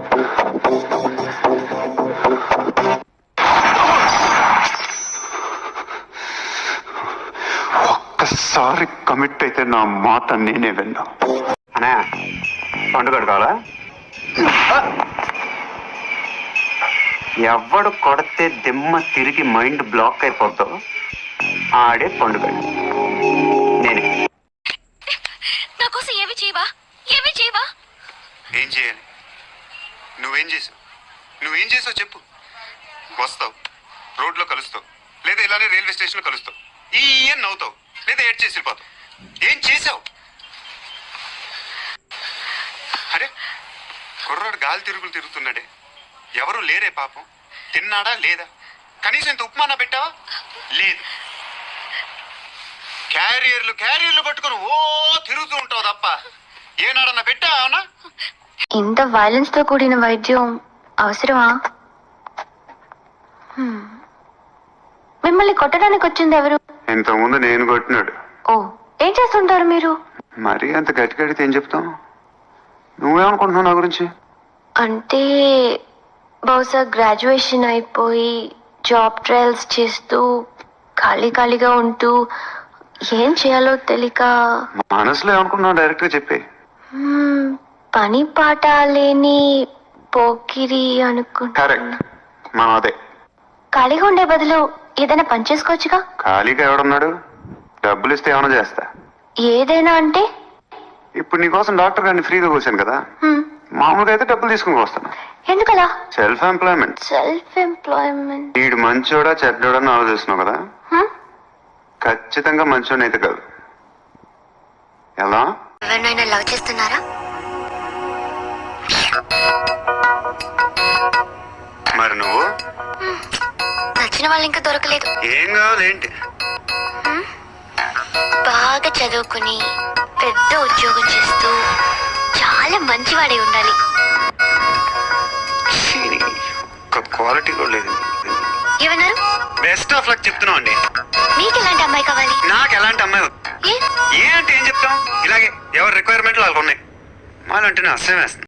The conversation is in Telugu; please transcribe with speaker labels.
Speaker 1: ఒక్కసారి కమిట్ అయితే నా మాట నేనే విన్నా. అనే పండుగ కావాలా? ఎవడు కొడితే దిమ్మ తిరిగి మైండ్ బ్లాక్ అయిపోద్దో ఆడే పండుగ నేనే.
Speaker 2: నా కోసం ఏమి చేయవా?
Speaker 1: ఏం చేయాలి? నువ్వేం చేసావు చెప్పు. వస్తావు, రోడ్లో కలుస్తావు, లేదా ఇలానే రైల్వే స్టేషన్లో కలుస్తావు, ఈ నవ్వుతావు, లేదా ఏడ్ చేసి వెళ్ళిపోతావు. ఏం చేసావు? అరే కుర్రాడు గాలి తిరుగుతున్నాడే, ఎవరు లేరే పాపం. తిన్నాడా లేదా? కనీసం ఇంత ఉప్మానా పెట్టావా? లేదు. క్యారియర్లు పట్టుకుని ఓ తిరుగుతూ ఉంటావు తప్ప ఏనాడన్నా పెట్టావా?
Speaker 2: ఇంత వైలెన్స్ తో కూడిన వైద్యం అవసరమా? మిమ్మల్ని కొట్టడానికి వచ్చింది ఎవరు?
Speaker 1: ఇంతకుముందు నేను కొట్టినాడు.
Speaker 2: ఓ, ఏం చేస్తుంటారు మీరు?
Speaker 1: మరి అంత గట్టిగడితే ఏం చెప్తాం? నువ్వేమనుకుంటున్నావు నా గురించి?
Speaker 2: అంటే బహుశా గ్రాడ్యుయేషన్ అయిపోయి జాబ్ ట్రయల్స్ చేస్తూ ఖాళీగా ఉంటూ ఏం చేయాలో తెలియక.
Speaker 1: మనసులో ఏమనుకుంటున్నావు డైరెక్ట్ గా చెప్పే.
Speaker 2: పని పాట లేని పోకిరి అనుకుంటా.
Speaker 1: కరెక్ట్, మనం అదే.
Speaker 2: ఖాళీగా ఉండే బదులు ఏదైనా పని చేసుకోవచ్చుగా.
Speaker 1: ఖాళీగా ఎవడున్నాడు? డబ్బులు ఇస్తే ఏమైనా చేస్తా.
Speaker 2: ఏదైనా అంటే?
Speaker 1: ఇప్పుడు నీకోసం డాక్టర్ గారిని ఫ్రీగా కూర్చాను కదా, మామూలుగా అయితే డబ్బులు తీసుకుని వస్తాను.
Speaker 2: ఎందుకలా?
Speaker 1: Self employment. వీడు మంచోడా చెడ్డోడా అని ఆలోచిస్తున్నావు కదా. ఖచ్చితంగా మంచోడని అయితే కాదు. ఎలా?
Speaker 2: ఎవరినైనా లవ్ చేస్తున్నారా?
Speaker 1: మరి నువ్వు?
Speaker 2: నచ్చిన వాళ్ళు ఇంకా దొరకలేదు.
Speaker 1: ఏం కావాలి ఏంటి?
Speaker 2: బాగా చదువుకుని పెద్ద ఉద్యోగం చేస్తూ చాలా మంచివాడే ఉండాలి.
Speaker 1: క్వాలిటీ కూడా లేదు.
Speaker 2: ఏమన్నారు?
Speaker 1: బెస్ట్ ఆఫ్ లక్ చెప్తున్నావు అండి.
Speaker 2: మీకు ఎలాంటి అమ్మాయి కావాలి?
Speaker 1: నాకు ఎలాంటి అమ్మాయి? ఏ అంటే ఏం చెప్తాం? ఇలాగే ఎవరి రిక్వైర్మెంట్లు వాళ్ళకు ఉన్నాయి. వాళ్ళంటే అసహ్యం వేస్తుంది.